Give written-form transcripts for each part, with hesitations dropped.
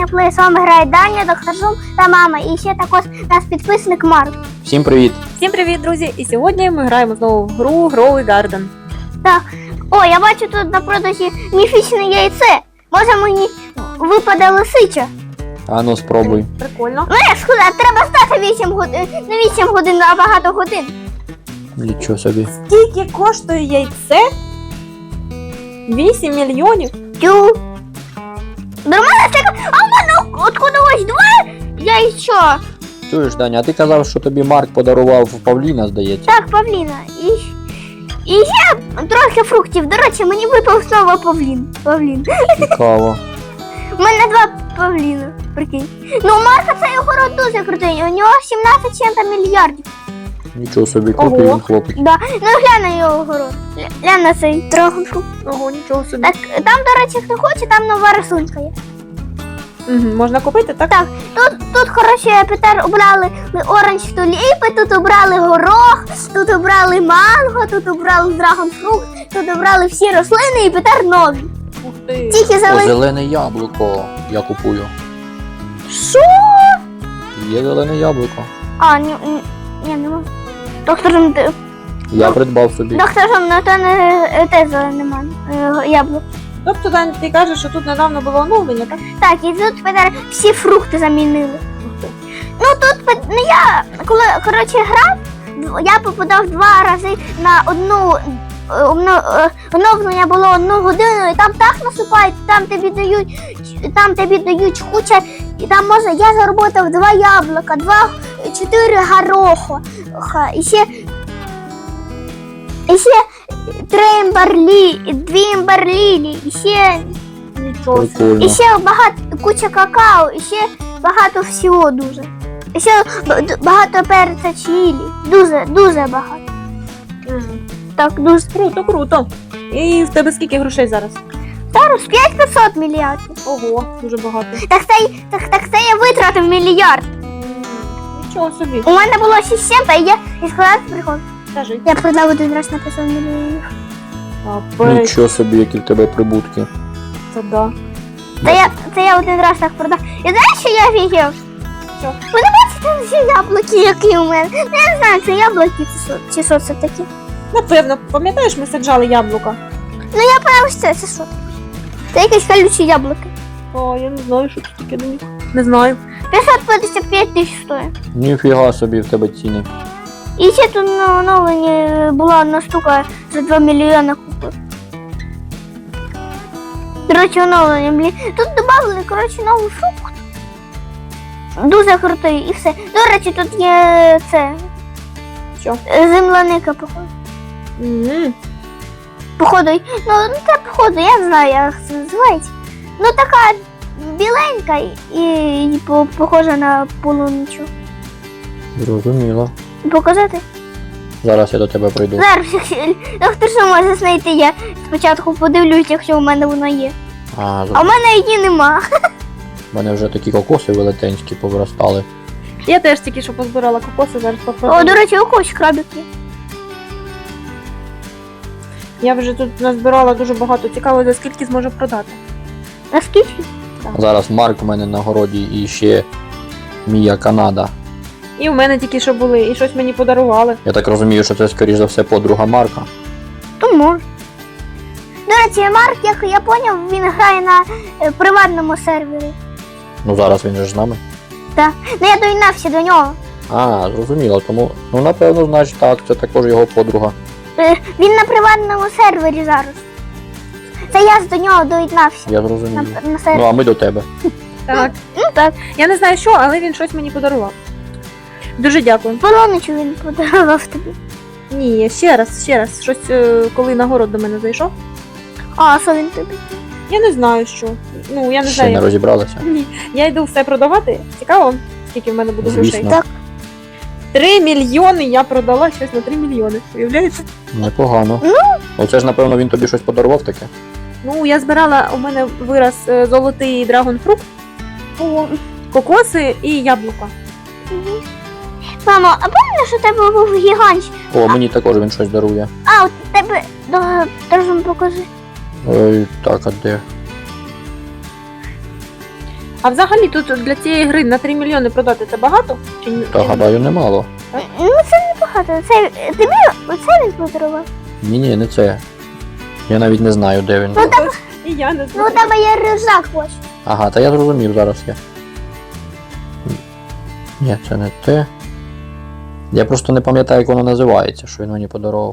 Даня Плей, з вами грає Даня, доктор Жум та мама. І ще також наш підписник Марк. Всім привіт! Всім привіт, друзі! І сьогодні ми граємо знову в гру Grow Garden. Так. О, я бачу тут на продажі міфічне яйце. Може мені випаде лисича? А ну спробуй. Прикольно. Ну я сказав, треба стати 8 годин, не 8 годин, а багато годин. Нічого собі. Скільки коштує яйце? 8 мільйонів? Тю. Нормально це. А в мене откуда ось два яйця. Чуєш, Даня, а ти казав, що тобі Марк подарував Павліна, здається. Так, павліна. І ще трохи фруктів. До речі, мені випав знову павлін. Цікаво. У мене два павліна, прикинь. Ну, у Марка цей огород дуже крутий. У нього 17 чим-то мільярдів. Нічого собі, крутий Ого. він хлопець. Да. Ну, глянь на його огород. Глянь на цей драгонфрукт. Ого, нічого собі. Так, там, до речі, хто хоче, там нова рисунка є. Угу, можна купити, так? Так, тут коротше, Петер обрали оранж туліпи, тут обрали горох, тут обрали манго, тут обрали драгонфрукт, тут обрали всі рослини і Петер нові. Ух ти. Тільки О, зелені. зелене яблуко я купую. Що? Є зелене яблуко. А, ні, нема. Доктор, Я придбав собі. доктор, ну то не те зелене яблуко. Тобто, Дань, ти кажеш, що тут недавно було оновлення, так? Так, і тут Петер всі фрукти замінили. Ух ти. Ну тут ну, я коли коротше грав, я попадав 2 рази на одну оновлення було 1 годину, і там так насипають, там тобі дають куча, і там можна, я заработав 2 яблука, 4 гороха, і ще 3 2 імберлілі, і ще Нічого собі. Прикольно. і ще куча какао, і ще багато всього дуже. І ще багато перця чилі. Дуже багато. Мгм. Так, дуже. Круто, круто. І в тебе скільки грошей зараз? Зараз 500 мільярдів. Ого, дуже багато. Так це я витратив мільярд. Нічого собі. У мене було 600, а я і сказав прикол. Скажи. Я продав один раз на 500 мільйонів. Капець, Нічого собі, які в тебе прибутки. це да. Це я один раз так продав. І знаєш, що я офігів? Що? Ви не бачите там всі яблуки, які у мене? Ну, я не знаю, це яблуки чи що це таке. Напевно, пам'ятаєш, ми саджали яблука? Ну я пам'ятаю, що це що таке? Це якісь колючі яблуки. О, я не знаю, що це таке до них. Не знаю. 555 тисяч стоїть. Ніфіга собі в тебе ціни. І ще тут на оновленні була одна штука за 2 мільйони купив. До речі, оновлення, блін. Тут додали, коротше, новий фрукт. Дуже крутий і все. До речі, тут є це. Що? Земляника, походу. Мгм. Походу, ну це походу, я не знаю, як це називається. Ну така біленька і похожа на полуничу. Зрозуміло. Показати? Зараз я до тебе прийду. Зараз, доктор, що може знайти, я спочатку подивлюсь, якщо у мене воно є. А у мене її нема. У мене вже такі кокоси велетенські повиростали. Я теж тільки що позбирала кокоси, зараз О, попробую. до речі, у когось крабик є. Я вже тут назбирала дуже багато. Цікаво, за скільки зможу продати. А скільки? Зараз Марк у мене на городі і ще Мія Канада. І в мене тільки що були, і щось мені подарували. Я так розумію, що це, скоріш за все, подруга Марка. То може. До речі, Марк, як я поняв, він грає на приватному сервері. Ну зараз він же ж з нами. Так. Ну я доєднався до нього. А, зрозуміло, тому, ну напевно, значить так, це також його подруга. Він на приватному сервері зараз. Це я до нього доєднався. Я зрозумів. На Ну сервері. а ми до тебе. Так. Ну так. Я не знаю що, але він щось мені подарував. Дуже дякую. Полоничу він подарував тобі. Ні, ще раз. Щось, коли на город до мене зайшов. А що він тобі? Я не знаю що. Ну, я не Ще не знаю. розібралися. Ні. Я йду все продавати. Цікаво, скільки в мене буде Звісно. грошей. Так. 3 мільйони я продала щось на 3 мільйони. Уявляєте? Непогано. Оце ж, напевно, він тобі щось подарував таке. Ну, я збирала, у мене вираз золотий драгонфрукт, кокоси і яблука. Мамо, а пам'ятаєш, що у тебе був гігант? О, мені також він щось дарує. А, у тебе. Должен покажи. Ой, так, а де? А взагалі тут для цієї гри на 3 мільйони продати це багато? Чи ні? Та гадаю, немало. Ну це небагато. Це тобі оце він подарував. Ні, не це. Я навіть не знаю, де він. Ну, Ось, і я не Ну у знаю. тебе є рюкзак ось. Ага, та я зрозумів, зараз я. Ні, це не те. Я просто не пам'ятаю, як воно називається, що він мені подарував.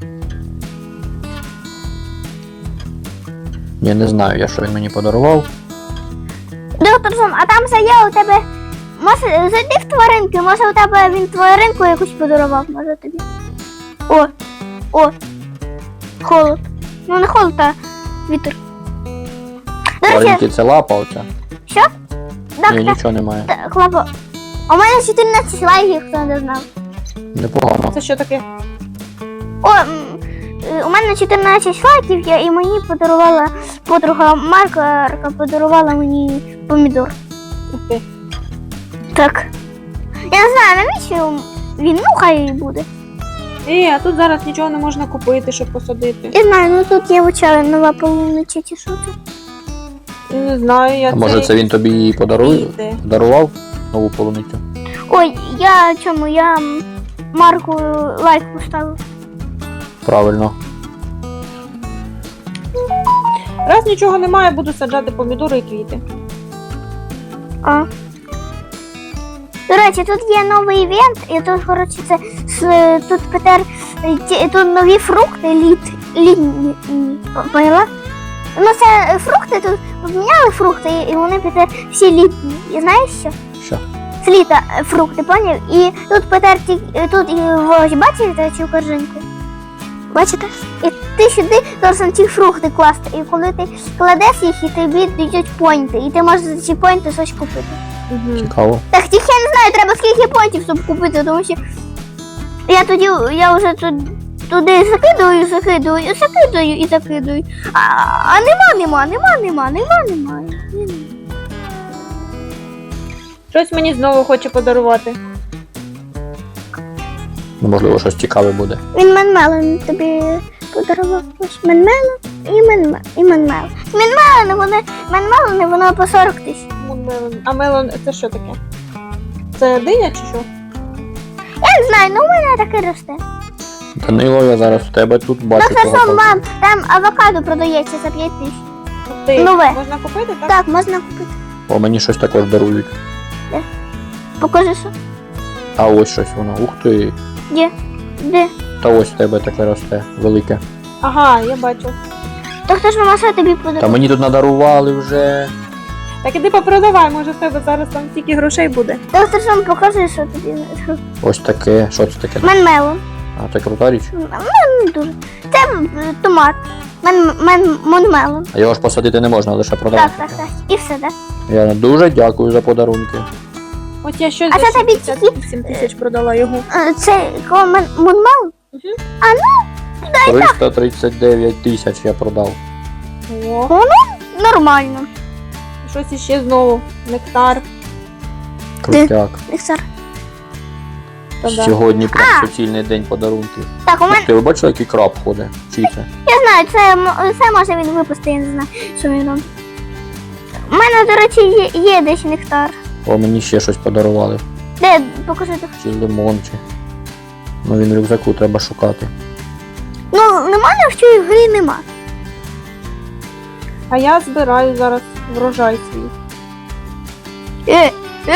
Я не знаю, я що він мені подарував. Доктор Зум, а там є у тебе. Може, зайди в тваринки, може у тебе він тваринку якусь подарував, може тобі. О! Холод. Ну не холод, а вітер. До речі, Тваринки це лапа оця. що? Ні, Доктор, нічого немає. Клапо. У мене 14 лайків, хто не знав. Непогано. Це що таке? У мене 14 лайків, і мені подарувала подруга Марка подарувала мені помідор. Ух ти. Так. Я не знаю, навіщо він, ну хай буде. А тут зараз нічого не можна купити, щоб посадити. Я знаю, ну тут є вичали нова полунича чи що це. Не знаю, я А може це він тобі її Квіти. подарував? Нову полуницю? Ой, я Марку лайк поставив. Правильно. Раз нічого немає, буду саджати помідори і квіти. А. До речі, тут є новий івент, і тут, коротше, тут Петер, тут нові фрукти літні. Поняла? Ну це фрукти, тут поміняли фрукти, і вони Петер всі літні. І знаєш що? Що? З літа фрукти, поняв? І тут Петер, тут і ось, бачите цю корзинку? Бачите? І ти сюди должен ці фрукти класти. І коли ти кладеш їх, і тобі дають поінти. І ти можеш за ці поінти щось купити. Угу. Цікаво. Так тільки я не знаю, треба скільки поінтів, щоб купити, тому що я вже туди закидую. А нема. Щось мені знову хоче подарувати. Ну, можливо, щось цікаве буде. Він Менмелон тобі подарував. Ось Менмелон і Менмелон. Менмелони, воно по 40 тисяч. Мелон. А мелон це що таке? Це диня чи що? Я не знаю, ну у мене таке росте. Данило, я зараз в тебе тут бачу. Ну це того що, павука. мам, там авокадо продається за 5 тисяч. Ух ти. Нове. Можна купити, так? Так, можна купити. О, мені щось також дарують. Покажи, що. А ось щось воно. Ух ти. Де? Та ось в тебе таке росте. Велике. Ага, я бачу. То хто ж мама що тобі Та подарував? мені тут надарували вже. Так іди попродавай, може в тебе зараз там стільки грошей буде. Доктор Сом, покажи, що тобі. Ось таке. Що це таке? Менмелон. А це крута річ. Не дуже. Це томат. Менмелон. А його ж посадити не можна, лише продати. Так. І все, так? Я дуже дякую за подарунки. От я щось А за це тобі 68 тисяч продала його. Це кого Менмелон? 339 тисяч я продав. О, Нормально. щось іще знову. Нектар. Крутяк. Іксар. Та-да. Сьогодні прям суцільний день подарунків. Так, у мене, Ти ви бачили, який краб ходить? Чий це? я знаю, це може він випустити, я не знаю, що він робить. У мене, до речі, є десь нектар. О, мені ще щось подарували. Де, покажи. Чи лимон, чи. Ну він в рюкзаку треба шукати. Ну, немає в цій грі нема. А я збираю зараз врожай свій. Е.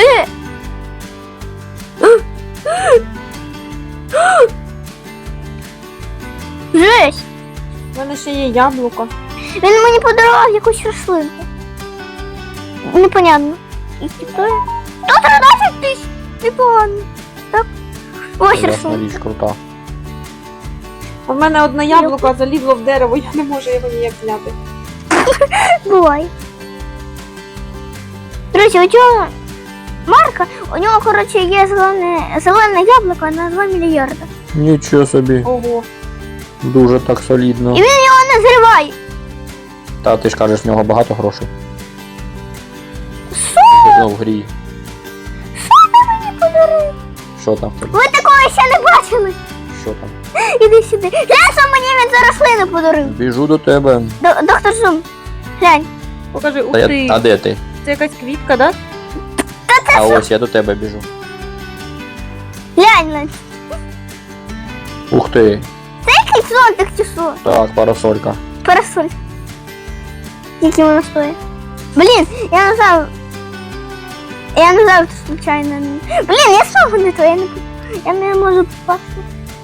Жесть! У мене ще є яблуко. Він мені подарував якусь рослинку. Непонятно. І хто? 113 тисяч! Непогано. Так? Ось Класна рослинка. річ, крута. У мене одне яблуко залізло в дерево, я не можу його ніяк зняти. Бувай. Друзі, у цього Марка, у нього, коротше, є зелене яблуко на 2 мільярда. Нічого собі. Ого. Дуже так солідно. І він його не зриває. Та ти ж кажеш, в нього багато грошей. Що? Ну, в грі. Мені подарує. Що там в тебе? Ви такого ще не бачили. Що там? Іди сюди. Глянь, що мені він за рослину подарив. Біжу до тебе. Доктор Зум, глянь. Покажи, ух Та, ти. а де ти? це якась квітка, да? А ось я до тебе біжу. Глянь, Лань, Ух ти. який зонтик чи що? Так, парасолька. Парасоль. Скільки воно стоїть? Блін, я не знаю. Я не знаю, це случайно. Блін, я знову не то, я не можу попасти.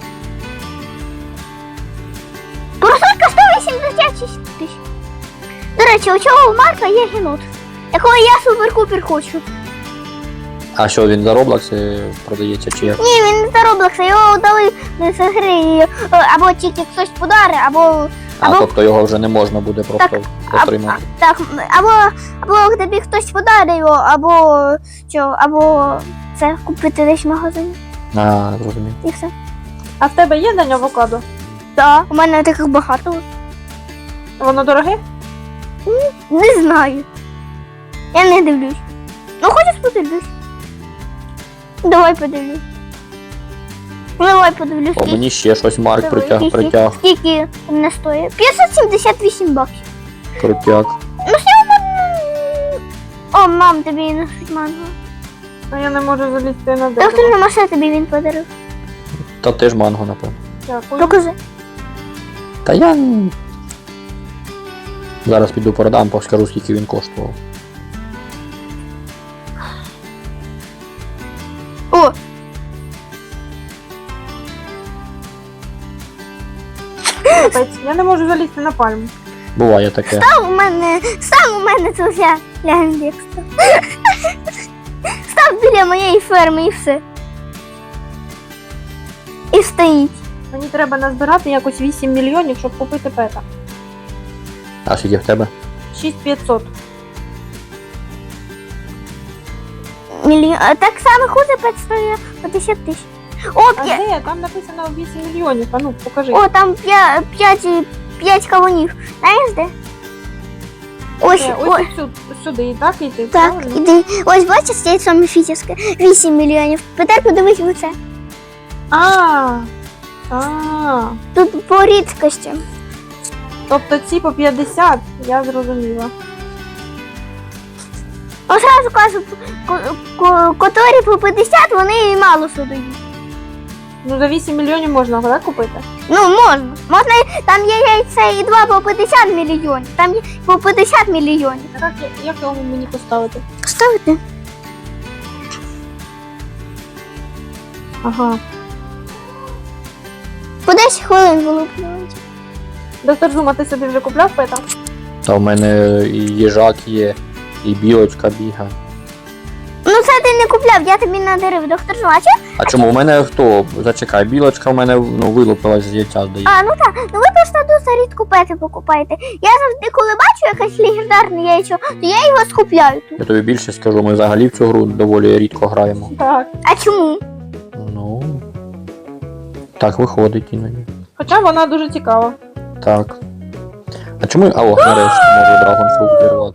Парасолька 186 тисяч. До речі, у цього Марка є генот, якого я супер-купер хочу. А що, він за Roblox продається чи як? Ні, він не за Роблокса, його дали з гри, або тільки хтось подари, або А, тобто його вже не можна буде просто отримати. так, або тобі хтось подарить його, або це купити десь в магазині. А, зрозумів. І все. А в тебе є день авокадо? Так, у мене таких багато. Воно дороге? Не знаю. Я не дивлюсь. Ну хочеш подивлюсь? Давай подивлюсь. Давай подивлюсь. О, мені ще щось Марк Диви. притяг. Скільки не стоїть? 578 баксів. Крутяк. Ну все, о, мам, тобі носить манго. А я не можу залізти на Доктор дерево. Маша тобі він подарив. Та теж манго, напевно. Дякую. Покажи. Та я зараз піду продам, поскажу, скільки він коштував. О! Капець, я не можу залізти на пальму. Буває таке. Став у мене тут глянь, став біля моєї ферми і все. І стоїть. Мені треба назбирати якось 8 мільйонів, щоб купити пета. А скільки в тебе? 6500. Так само хуже стоїть 50 тисяч. О, А де? Там написано 8 мільйонів. А ну, покажи. О, там 5 кавунів. Знаєш де? Ось, Ось ось. сюди і так йти. Так, правильно? іди. Ось бачиш, яйцо міфічне. 8 мільйонів. Тепер подивись в це. А. Тут по рідкості. Тобто ці по 50, я зрозуміла. Одразу кажу, котрі по 50, вони мало судають. Ну за 8 мільйонів можна, так, купити? Ну, можна. Можна, там є яйця і 2 по 50 мільйонів. Там є по 50 мільйонів. Так, як його мені поставити? Ставити. Ага. По 10 хвилин вилуплюють. Доктор Зума, ти собі вже купляв пета? Та в мене і їжак є, і білочка бігає. Ну це ти не купляв, я тобі надарив, доктор Жвача. А чому у мене хто? Зачекай, білочка в мене вилупилась з яйця, здається. А, ну так, ну ви просто дуже рідко пети покупаєте. Я завжди, коли бачу якесь легендарне яйцо, то я його скупляю тут. Я тобі більше скажу, ми взагалі в цю гру доволі рідко граємо. Так. А чому? Ну. Так виходить іноді. Хоча вона дуже цікава. Так. А чому. А о, нарешті можу драгонфрукт зірвати.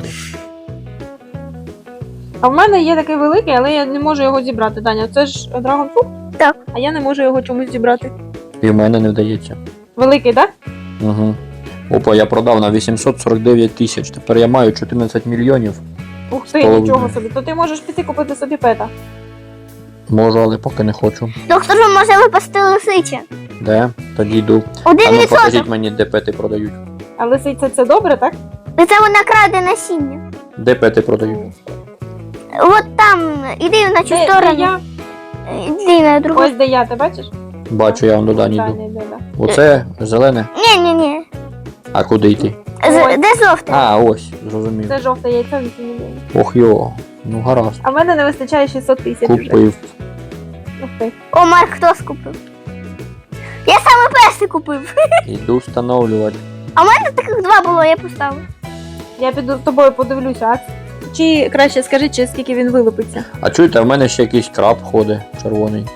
А в мене є такий великий, але я не можу його зібрати. Даня, це ж драгонфрукт? Так. А я не можу його чомусь зібрати. І в мене не вдається. Великий, так? Угу. Опа, я продав на 849 тисяч. Тепер я маю 14 мільйонів. Ух ти, Половина. нічого собі. То ти можеш піти купити собі пета. Можу, але поки не хочу. Доктор Жвача може випасти лисиче. Де? Тоді йду. 1%. А ну покажіть мені, де пети продають. А лисиця це добре, так? І це вона краде насіння. Де пети продають? От там, іди на цю Де сторону. я? Іди на другу. Ось де я, ти бачиш? Бачу, я вам до Дані Даня йду. йде, да. Оце зелене. Ні. А куди йти? Ось. Де жовте? А, ось, зрозумів. Це жовте яйцо 8 мільйонів. Ох йо. Ну гаразд. А в мене не вистачає 600 тисяч вже. Купив. Ух ти. О, Марк, хто скупив? Я саме перший купив. Іду встановлювати. А в мене таких 2 було, я поставив. Я піду з тобою подивлюся, а? Чи краще скажи, чи скільки він вилупиться. А чуєте, в мене ще якийсь краб ходить червоний.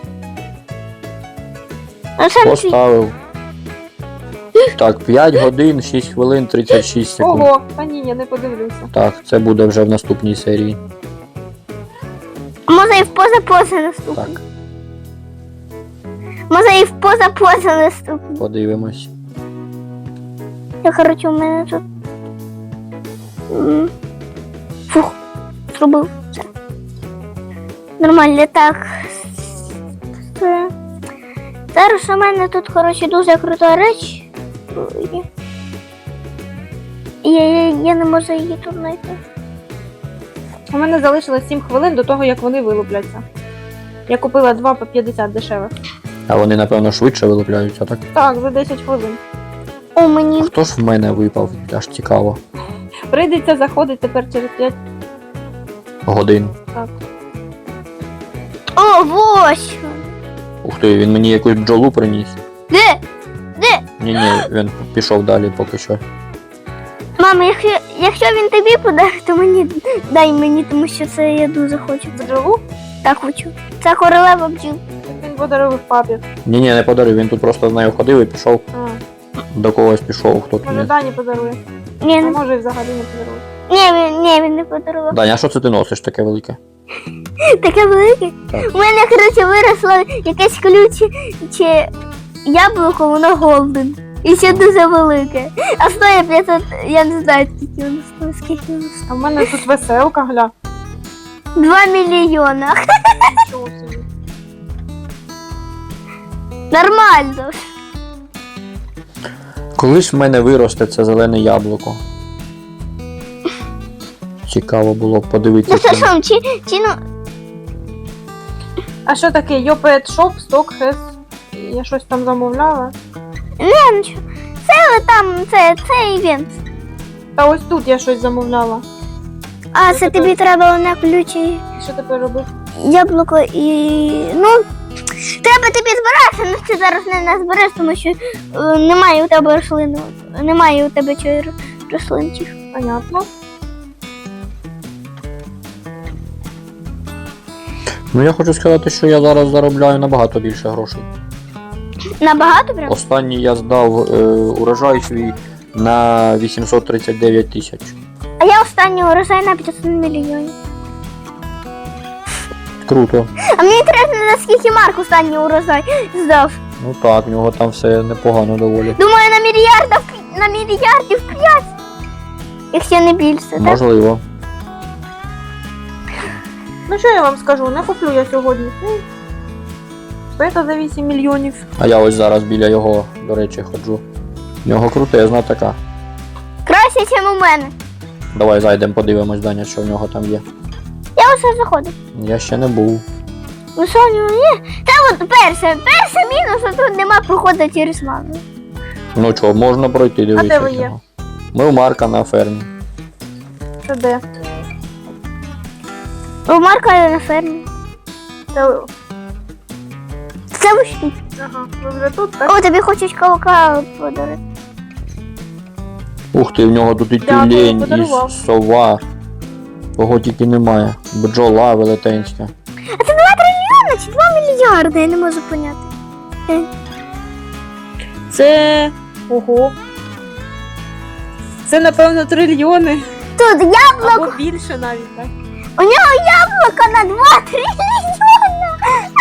Ну, це не свій. Поставив. Так, 5 годин, 6 хвилин, 36 секунд. Ого, та ні, я не подивлюся. Так, це буде вже в наступній серії. Може і в поза наступний. Так, Може і в поза наступний. подивимось. Я, короче, у мене тут... Фух. зробив це. Нормально, так. Це. Зараз у мене тут, коротше, дуже крута реч. є. Я не можу її тут знайти. У мене залишилось 7 хвилин до того, як вони вилупляться. Я купила 2 по 50 дешевих. А вони, напевно, швидше вилупляються, так? Так, за 10 хвилин. О, мені. Хто ж в мене випав? Аж цікаво. Прийдеться заходити тепер через 5. Годин. Так. О, ось! Ух ти, він мені якусь бджолу приніс. Де? Де? Ні, він пішов далі поки що. Мама, якщо він тобі подарить, то дай мені, тому що це я дуже хочу. Бджолу? Так хочу. Це королева бджіл. Він подарував папі. Ні, не подарив, він тут просто з нею ходив і пішов. А, До когось пішов, хто тут. може Дані подарує. Ні, А не, може і взагалі не подарує. він не подарував. Даня, а що це ти носиш таке велике? Таке велике. Так. У мене, коротше, виросло якесь ключе яблуко, воно голден. І ще дуже велике. А стоїть 500, я не знаю, скільки воно стоїть, скільки воно стоїть. А в мене тут веселка, гля. 2 мільйона. Нічого собі. Нормально. Коли ж в мене виросте це зелене яблуко? Цікаво було б подивитися. Ну це що, чи ну... А що таке? Your Pet Shop, Stock Has... Я щось там замовляла. Не, нічого. Це там, це івент. Та ось тут я щось замовляла. А, Що це таке? тобі треба на ключі Що тепер робити? яблуко і... Ну, треба тобі збиратися, але ти зараз не назбереш, тому що немає у тебе рослин. Немає у тебе рослинчик. Понятно. Ну я хочу сказати, що я зараз заробляю набагато більше грошей. Набагато прям? Останній я здав урожай свій на 839 тисяч. А я останній урожай на 500 мільйонів. Круто. А мені інтересно, наскільки Марк останній урожай здав. Ну так, в нього там все непогано доволі. Думаю, на мільярдів 5. Якщо не більше, так? Можливо. Ну що я вам скажу, не куплю я сьогодні. Це за 8 мільйонів. А я ось зараз біля його, до речі, ходжу. В нього крутезна така. Краще, ніж у мене. Давай зайдемо, подивимось, Даня, що в нього там є. Я усе заходив. Я ще не був. Ну що у нього є? Це от перше мінус, а тут нема проходу через маму. Ну чого, можна пройти, дивися. де ви в є? нього. Ми у Марка на фермі. Це де? У Марка на фермі. Це... Це ось тут. Ага, ви вже тут, так? О, тобі хочуть кавука подарити. Ух ти, в нього тут і Дякую, тюлень, і подарував. сова. Кого тільки немає. Бджола велетенська. А це 2 трильйони чи 2 мільярди, я не можу поняти. Це... Ого. Це, напевно, трильйони. Тут яблуко, Або більше навіть, так? у нього яблуко на 2 трильйони.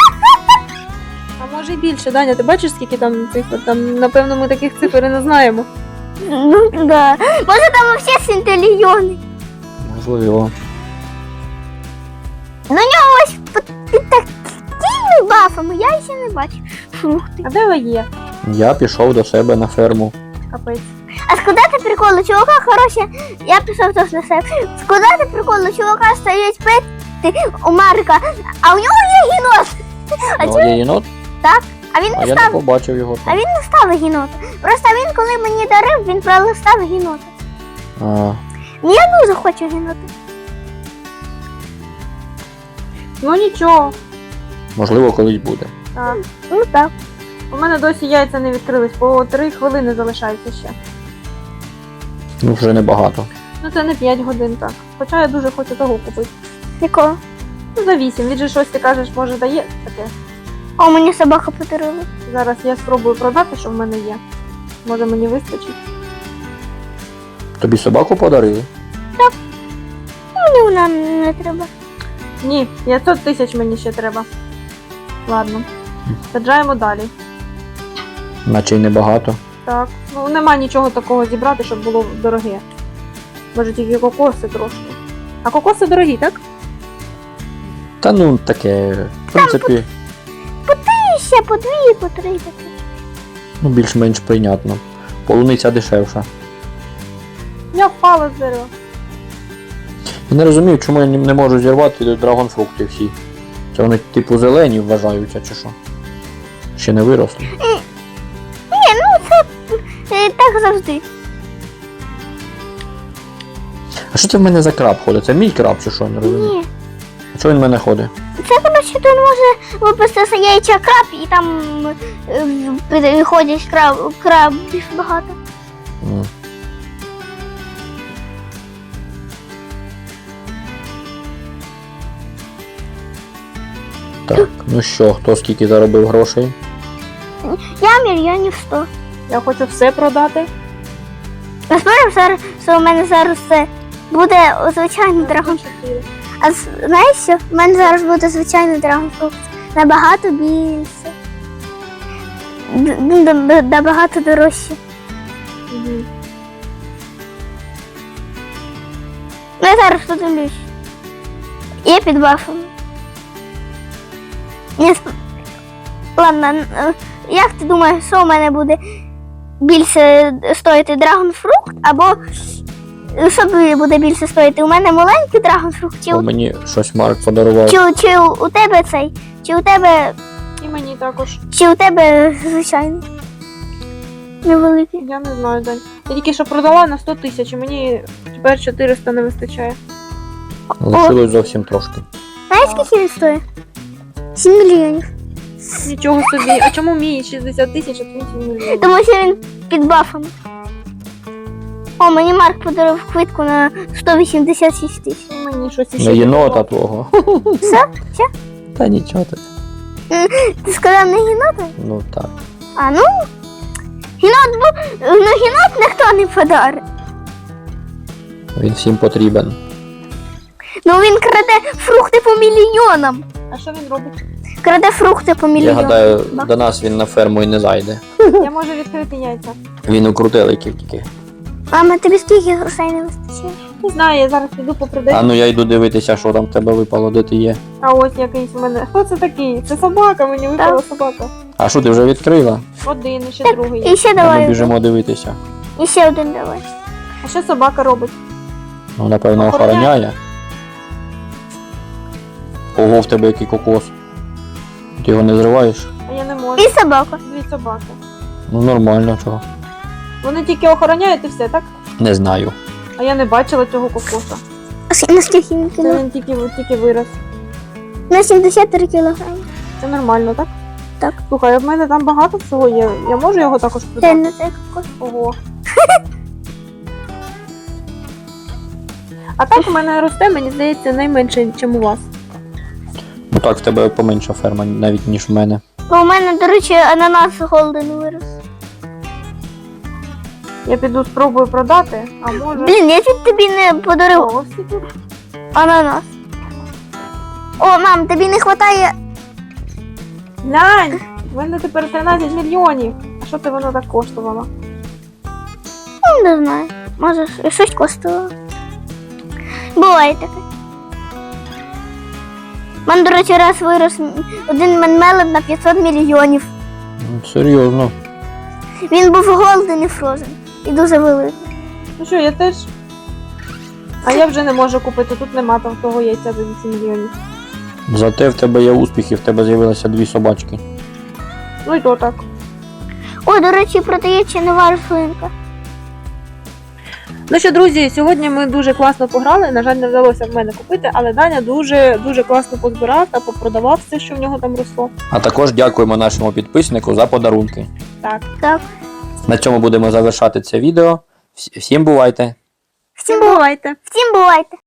А може і більше, Даня, ти бачиш, скільки там цифр? Там, напевно, ми таких цифр і не знаємо. Ну, да. Може там вообще 7 трильйони. Можливо. Ну, у нього ось під такими бафами, я ще не бачу. Фрукти. А де ви є? Я пішов до себе на ферму. Капець. А складати приколи, чувака, хороше, я пішов теж на себе. Складати приколи, чувака стоять пети у Марка, а у нього є гінот. А, Ну, є єнот, а він а не я не став, побачив його а там. він не став гінота. Просто він, коли мені дарив, він пролистав гінота. А, Я дуже хочу гінота. Ну нічого. можливо, колись буде. Так. Ну так. У мене досі яйця не відкрились, по 3 хвилини залишається ще. Ну, вже небагато. Ну це не 5 годин, так. Хоча я дуже хочу того купити. Якого? Ну за 8. Він же щось ти кажеш, може дає таке. О, мені собака подарила. Зараз я спробую продати, що в мене є. Може мені вистачить. Тобі собаку подарили? Мені вона не треба. Ні, 500 тисяч мені ще треба. Ладно. Саджаємо далі. Наче й небагато. Так. Ну нема нічого такого зібрати, щоб було дороге. Може тільки кокоси трошки. А кокоси дорогі, так? Та ну таке, в принципі, І ще по 2, по 3 таке. ну більш-менш прийнятно. Полуниця дешевша. Я впала з дерева. Я не розумію, чому я не можу зірвати драгонфрукти всі. Це вони типу зелені вважаються чи що? Ще не виросли. Ні, ну це так завжди. А що це в мене за краб ходить? Це мій краб чи що? Я не розумію. Ні. А чого він в мене ходить? Це, коротше, тут може випуститися яйця краб, і там виходять крабів багато. М. Так, ну що, хто скільки заробив грошей? Я мільйонів 100. Я хочу все продати. Насправді зараз, що у мене зараз це буде звичайний драгон. 4. А знаєш що? У мене зараз буде звичайний драгонфрукт. Набагато більше. Набагато дорожче. Угу. Ну я зараз подивлюсь. Є під бафом. Ладно, як ти думаєш, що у мене буде більше стоїти драгонфрукт, або що буде більше стоїти? У мене маленький драгонфрукт, чи, Бо мені щось Марк подарував. чи у тебе цей? Чи у тебе І мені також. звичайний? Невеликий. Я не знаю, Дань. Я тільки що продала на 100 тисяч, і мені тепер 400 не вистачає. Лишилось зовсім трошки. Знаєш, скільки він стоїть? 7 мільйонів. Нічого собі. А чому мій 60 тисяч, а твій 7 мільйонів? Тому що він під бафом. О, мені Марк подарував квитку на 186 тисяч. І мені щось іще. На єнота подарував. твого. Все? Все? Та нічого так. Ти сказав не гінота? Ну так. А ну, гінот ніхто не подарить. Він всім потрібен. Ну він краде фрукти по мільйонам. А що він робить? Краде фрукти по Я мільйонам. гадаю, до нас він на ферму і не зайде. Я можу відкрити яйця. Він у крутеликів тільки. Мама, тобі скільки грошей не вистачає? Не знаю, я зараз піду по А ну я йду дивитися, що там в тебе випало, де ти є. А ось якийсь у мене. Хто це такий? Це собака, мені випала собака. А що ти вже відкрила? Один, і ще другий. І ще А ми давай. біжимо дивитися. І ще один давай. А що собака робить? Ну, напевно, Охороняє. охороняє. Ого, в тебе який кокос. Ти його не зриваєш? А я не можу. І собака. Дві собаки. Ну нормально, чого. Вони тільки охороняють і все, так? Не знаю. А я не бачила цього кокоса. Наскільки він Це кіло? він тільки вирос. На 73 кілограми. Це нормально, так? Так. Слухай, а в мене там багато всього є. Я можу його також Це продати? не це кокос. Ого. А так у мене росте, мені здається, найменше, ніж у вас. Ну так, в тебе поменша ферма навіть, ніж в мене. Бо у мене, до речі, ананас голден вирос. Я піду спробую продати, а може. Блін, я чуть тобі не подарив Ого, всі тут. ананас. О, мам, тобі не вистачає. Глянь! В мене тепер 13 мільйонів. А що це воно так коштувало? Ну, не знаю. Може, щось коштувало. Буває таке. У мене, до речі, раз вирос один менмелет на 500 мільйонів. Ну, серйозно. Він був голден і фрозен. І дуже великий. Ну що, я теж. А я вже не можу купити, тут нема там того яйця за 8 мільйонів. Зате в тебе є успіхи, в тебе з'явилося 2 собачки. Ну і то так. О, до речі, продається нова рослинка. Ну що, друзі, сьогодні ми дуже класно пограли. На жаль, не вдалося в мене купити, але Даня дуже класно позбирав та попродавав все, що в нього там росло. А також дякуємо нашому підписнику за подарунки. Так. Так. На цьому будемо завершати це відео. Всім бувайте! Всім бувайте. Всім бувайте.